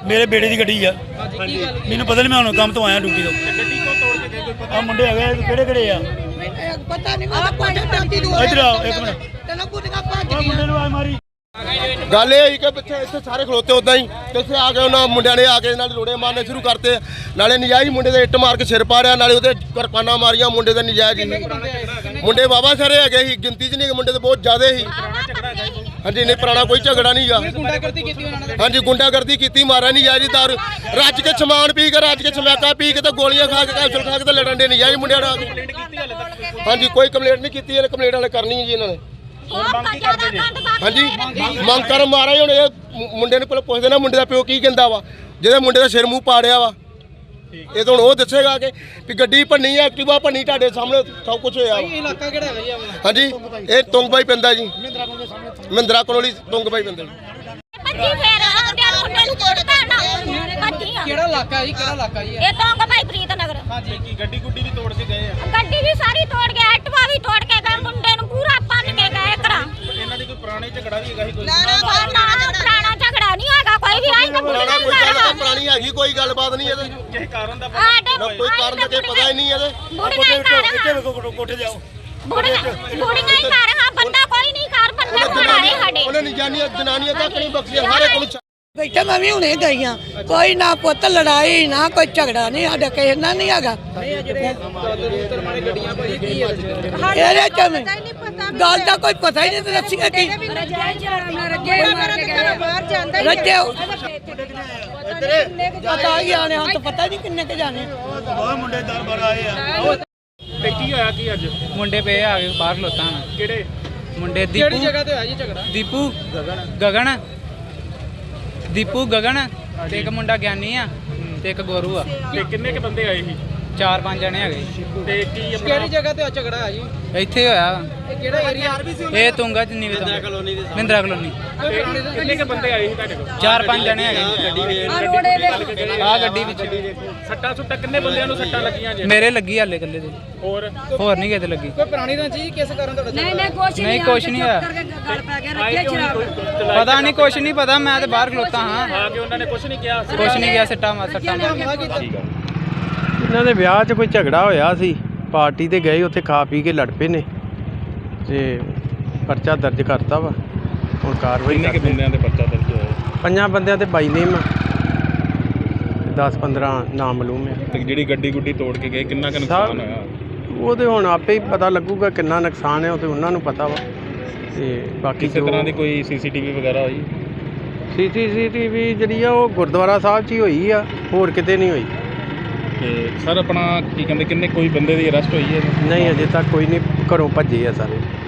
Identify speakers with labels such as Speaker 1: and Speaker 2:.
Speaker 1: ਮੇਰੇ ਬੇਟੇ ਦੀ ਗੱਡੀ ਆ। ਮੈਨੂੰ ਪਤਾ ਨਹੀਂ, ਮੈਂ ਹੁਣ ਕੰਮ ਤੋਂ ਆਇਆ ਡਿਊਟੀ ਤੋਂ।
Speaker 2: ਗੱਡੀ ਕੋ ਤੋੜ ਕੇ ਗਏ?
Speaker 1: ਆ ਮੁੰਡੇ ਹੈਗੇ ਕਿਹੜੇ ਆ?
Speaker 3: ਪਤਾ ਨਹੀਂ ਮੈਂ ਕੋਠੇ ਟਾਂਟੀ ਦੂਰ
Speaker 1: ਇੱਧਰ ਆਓ ਇੱਕ ਮਿੰਟ।
Speaker 3: ਤੈਨੂੰ ਕੁੱਟੀਆਂ ਭੱਜ
Speaker 1: ਉਹ ਮੁੰਡੇ ਨੂੰ ਆ ਮਾਰੀ।
Speaker 4: ਗੱਲ ਇਹ ਹੋਈ ਕਿ ਇੱਥੇ ਸਾਰੇ ਖਲੋਤੇ ਉਦਾਂ ਹੀ ਤੇ ਇੱਥੇ ਆ ਕੇ ਉਹਨਾਂ ਮੁੰਡਿਆਂ ਨੇ ਆ ਕੇ ਨਾਲ ਰੋੜੇ ਮਾਰਨੇ ਸ਼ੁਰੂ ਕਰਤੇ। ਨਾਲੇ ਨਜਾਇਜ਼ ਮੁੰਡੇ ਦੇ ਇੱਟ ਮਾਰ ਕੇ ਸਿਰ ਪਾੜਿਆ, ਨਾਲੇ ਉਹਦੇ ਕਿਰਪਾਨਾਂ ਮਾਰੀਆਂ ਮੁੰਡੇ ਦੇ ਨਜਾਇਜ਼ ਹੀ। ਮੁੰਡੇ ਬਾਬਾ ਸਾਰੇ ਹੈਗੇ ਸੀ, ਗਿਣਤੀ 'ਚ ਨਹੀਂ, ਮੁੰਡੇ ਤੇ ਬਹੁਤ ਜ਼ਿਆਦਾ ਸੀ। ਹਾਂਜੀ ਨਹੀਂ, ਪੁਰਾਣਾ ਕੋਈ ਝਗੜਾ ਨਹੀਂ ਗਾ। ਹਾਂਜੀ ਗੁੰਡਾਗਰਦੀ ਕੀਤੀ, ਮਾਰਿਆ ਨਜਾਇਜ਼ ਦਾਰੂ ਰੱਜ ਕੇ ਸਮਾਨ ਪੀ ਕੇ, ਰੱਜ ਕੇ ਸਮੈਕਾ ਪੀ ਕੇ ਤੇ ਗੋਲੀਆਂ ਖਾ ਕੇ ਕੈਪਸੂਲ ਖਾ ਕੇ ਤੇ ਲੜਨ ਦੇ ਨਜਾਇਜ਼ ਮੁੰਡਿਆਂ ਨਾਲ। ਹਾਂਜੀ ਕੋਈ ਕੰਪਲੇਂਟ ਨਹੀਂ ਕੀਤੀ, ਇਹਨੇ ਕੰਪਲੇਂਟ ਵਾਲੇ ਕਰਨੀ ਜੀ ਇਹਨਾਂ ਨੇ। ਹਾਂਜੀ ਮੰਗ ਕਰ ਮਾਰਾ ਹੀ। ਹੁਣ ਇਹ ਮੁੰਡੇ ਨੂੰ ਪਹਿਲਾਂ ਪੁੱਛਦੇ ਨਾ ਮੁੰਡੇ ਦਾ ਪਿਓ ਕੀ ਕਹਿੰਦਾ ਵਾ, ਜਿਹਦੇ ਮੁੰਡੇ ਦਾ ਸਿਰ ਮੂੰਹ ਪਾੜਿਆ ਵਾ। ਇਹ ਤਾਂ ਹੁਣ ਉਹ ਦੱਸੇਗਾ ਕਿ ਵੀ ਗੱਡੀ ਭੰਨੀ ਆ, ਐਕਟਿਵਾ ਭੰਨੀ, ਤੁਹਾਡੇ ਸਾਹਮਣੇ ਸਭ ਕੁਝ ਹੋਇਆ ਵਾ।
Speaker 2: ਇਲਾਕਾ ਕਿਹੜਾ ਹੈਗਾ ਜੀ ਆਪਣਾ?
Speaker 4: ਹਾਂਜੀ ਇਹ ਤੁੰਗਬਾਈ ਪੈਂਦਾ ਜੀ, ਮਹਿੰਦਰਾ ਕਲੋਨੀ ਤੁੰਗਬਾਈ ਪੈਂਦਾ ਜੀ।
Speaker 2: ਕਿਹੜਾ ਇਲਾਕਾ ਜੀ? ਕਿਹੜਾ ਇਲਾਕਾ ਜੀ?
Speaker 5: ਇਹ ਤਾਂ ਭਾਈ ਪ੍ਰੀਤ ਨਗਰ।
Speaker 2: ਹਾਂਜੀ ਕੀ ਗੱਡੀ ਗੁੱਡੀ ਵੀ ਤੋੜ ਕੇ ਗਏ ਆ?
Speaker 5: ਗੱਡੀ ਵੀ ਸਾਰੀ ਤੋੜ ਕੇ, ਐਕਟਿਵਾ ਵੀ ਤੋੜ ਕੇ ਗਏ, ਮੁੰਡੇ ਨੂੰ ਪੂਰਾ ਭੰਨ ਕੇ ਗਏ ਘਰਾਂ।
Speaker 2: ਇਹਨਾਂ ਦੀ ਕੋਈ ਪੁਰਾਣੀ ਝਗੜਾ ਵੀ ਹੈਗਾ ਸੀ? ਕੋਈ
Speaker 5: ਪੁਰਾਣਾ ਝਗੜਾ ਨਹੀਂ ਹੈਗਾ ਕੋਈ ਵੀ। ਆਈ ਤਾਂ
Speaker 4: ਪੁਰਾਣਾ ਕੋਈ ਗੱਲ ਪੁਰਾਣੀ ਹੈਗੀ, ਕੋਈ ਗੱਲਬਾਤ ਨਹੀਂ ਇਹਦੇ।
Speaker 2: ਕਿਸੇ ਕਾਰਨ ਦਾ
Speaker 4: ਕੋਈ ਕਾਰਨ ਦਾ ਕੋਈ ਪਤਾ ਹੀ ਨਹੀਂ ਇਹਦੇ।
Speaker 1: ਕੋਠੇ ਜਾਓ।
Speaker 5: ਬੁੜੀਆਂ ਹੀ ਘਰ ਹਾਂ, ਬੰਦਾ ਕੋਈ ਨਹੀਂ ਘਰ, ਬੰਦਾ ਘਰਾਰੇ ਸਾਡੇ।
Speaker 4: ਉਹਨੇ ਜਨਾਨੀਆਂ ਤੱਕ ਨਹੀਂ ਬਖਸ਼ੀਆਂ, ਹਰ ਇੱਕ ਨੂੰ।
Speaker 3: ਬੈਠਾ ਮੈਂ ਵੀ ਹੁਣੇ ਗਈ ਆ। ਕੋਈ ਨਾ ਪੁੱਤ ਲੜਾਈ ਨਾ ਕੋਈ ਝਗੜਾ ਨਹੀਂ ਸਾਡੇ ਕਿਸੇ ਨਾਲ ਨਹੀਂ ਹੈਗਾ। ਇਹਦੇ ਚ ਗੱਲ ਦਾ ਕੋਈ ਪਤਾ ਹੀ ਨਹੀਂ ਤੇ ਦੱਸੀਏ ਕੀ ਰੱਜੇ ਪਤਾ ਹੀ ਆਣੇ ਹਾਂ ਤਾਂ ਪਤਾ ਨਹੀਂ ਕਿੰਨੇ ਕੇ ਜਾਣੇ।
Speaker 1: ਬਹੁਤ ਮੁੰਡੇ ਦਰਬਾਰ ਆਏ ਆ।
Speaker 2: ਤੇ ਕੀ ਹੋਇਆ ਕੀ ਅੱਜ?
Speaker 6: ਮੁੰਡੇ ਪਏ ਆ ਗਏ ਬਾਹਰ ਖਲੋਤਾ ਹਨ।
Speaker 2: ਕਿਹੜੇ
Speaker 6: ਮੁੰਡੇ
Speaker 2: ਕਿਹੜੀ ਜਗ੍ਹਾ ਤੇ ਹੋਇਆ ਜੀ ਝਗੜਾ?
Speaker 6: ਦੀਪੂ ਗਗਨ ਤੇ ਇੱਕ ਮੁੰਡਾ ਗਿਆਨੀ ਆ ਤੇ ਇੱਕ ਗੋਰੂ ਆ।
Speaker 2: ਤੇ ਕਿੰਨੇ ਕੇ ਬੰਦੇ ਆਏ ਸੀ?
Speaker 6: 4-5 ਜਣੇ ਹੈਗੇ।
Speaker 2: ਤੇ ਕੀ ਕਿਹੜੀ ਜਗ੍ਹਾ ਤੇ ਝਗੜਾ ਹੈ ਜੀ?
Speaker 6: ਇੱਥੇ ਹੋਇਆ
Speaker 2: ਇਹ ਕਿਹੜਾ ਏਰੀਆ?
Speaker 6: ਇਹ ਤੁੰਗਾ ਚ ਨਹੀਂ ਮਹਿੰਦਰਾ ਕਲੋਨੀ।
Speaker 2: ਕਿੰਨੇ ਕੇ ਬੰਦੇ ਆਏ ਸੀ ਤੁਹਾਡੇ ਕੋਲ?
Speaker 6: 4-5 ਜਣੇ ਹੈਗੇ ਆ ਗੱਡੀ ਵਿੱਚ।
Speaker 2: ਸੱਟਾਂ ਸੁੱਟਾਂ ਕਿੰਨੇ ਬੰਦਿਆਂ ਨੂੰ ਸੱਟਾਂ ਲੱਗੀਆਂ ਜੀ?
Speaker 6: ਮੇਰੇ ਲੱਗੀ ਹਾਲੇ ਇਕੱਲੇ ਦੇ,
Speaker 2: ਹੋਰ
Speaker 6: ਨਹੀਂ ਕਿਤੇ ਲੱਗੀ।
Speaker 2: ਕੋਈ ਪੁਰਾਣੀ ਰੰਜੀ ਕਿਸ ਕਾਰਨ ਤੁਹਾਡਾ?
Speaker 6: ਨਹੀਂ ਕੁਛ ਨਹੀਂ ਹੋਇਆ, ਪਤਾ ਨਹੀਂ ਕੁਛ ਨਹੀਂ ਪਤਾ। ਮੈਂ ਤੇ ਬਾਹਰ ਖਲੋਤਾ ਹਾਂ।
Speaker 2: ਆ ਕੇ ਉਹਨਾਂ ਨੇ ਕੁਝ ਨਹੀਂ ਕਿਹਾ?
Speaker 6: ਕੁਛ ਨਹੀਂ ਗਿਆ, ਸੱਟਾਂ ਮਾਰ।
Speaker 7: ਇਹਨਾਂ ਦੇ ਵਿਆਹ 'ਚ ਕੋਈ ਝਗੜਾ ਹੋਇਆ ਸੀ, ਪਾਰਟੀ ਤੇ ਗਏ, ਉੱਥੇ ਖਾ ਪੀ ਕੇ ਲੜ ਪਏ ਨੇ ਤੇ ਪਰਚਾ ਦਰਜ ਕਰਤਾ ਵਾ। ਹੁਣ ਕਾਰਵਾਈ
Speaker 2: ਕਿੰਨੇ ਕੇ ਬੰਦਿਆਂ ਦੇ ਪਰਚਾ ਦਰਜ ਹੋਇਆ?
Speaker 7: 5 ਬੰਦਿਆਂ ਤੇ 22 ਨੇਮ ਆ, 10-15 ਨਾਮ ਮਾਲੂਮ ਆ।
Speaker 2: ਤੇ ਜਿਹੜੀ ਗੱਡੀ ਗੁੱਡੀ ਤੋੜ ਕੇ ਗਏ ਕਿੰਨਾ ਕੁ ਨੁਕਸਾਨ ਹੋਇਆ?
Speaker 7: ਉਹ ਤੇ ਹੁਣ ਆਪੇ ਹੀ ਪਤਾ ਲੱਗੂਗਾ ਕਿੰਨਾ ਨੁਕਸਾਨ ਹੈ, ਉਹ ਤੇ ਉਹਨਾਂ ਨੂੰ ਪਤਾ ਵਾ। ਤੇ ਬਾਕੀ
Speaker 2: ਕਿਸੇ ਤਰ੍ਹਾਂ ਦੀ ਕੋਈ ਸੀਸੀਟੀਵੀ ਵਗੈਰਾ ਹੋਈ?
Speaker 7: ਸੀਸੀਟੀਵੀ ਜਿਹੜੀ ਆ ਉਹ ਗੁਰਦੁਆਰਾ ਸਾਹਿਬ 'ਚ ਹੀ ਹੋਈ ਆ, ਹੋਰ ਕਿਤੇ ਨਹੀਂ ਹੋਈ।
Speaker 2: ਤੇ ਸਰ ਆਪਣਾ ਕੀ ਕਹਿੰਦੇ ਕਿੰਨੇ ਕੋਈ ਬੰਦੇ ਦੀ ਅਰੈਸਟ ਹੋਈ ਹੈ?
Speaker 7: ਨਹੀਂ ਅਜੇ ਤੱਕ ਕੋਈ ਨਹੀਂ, ਘਰੋਂ ਭੱਜੇ ਆ ਸਾਰੇ।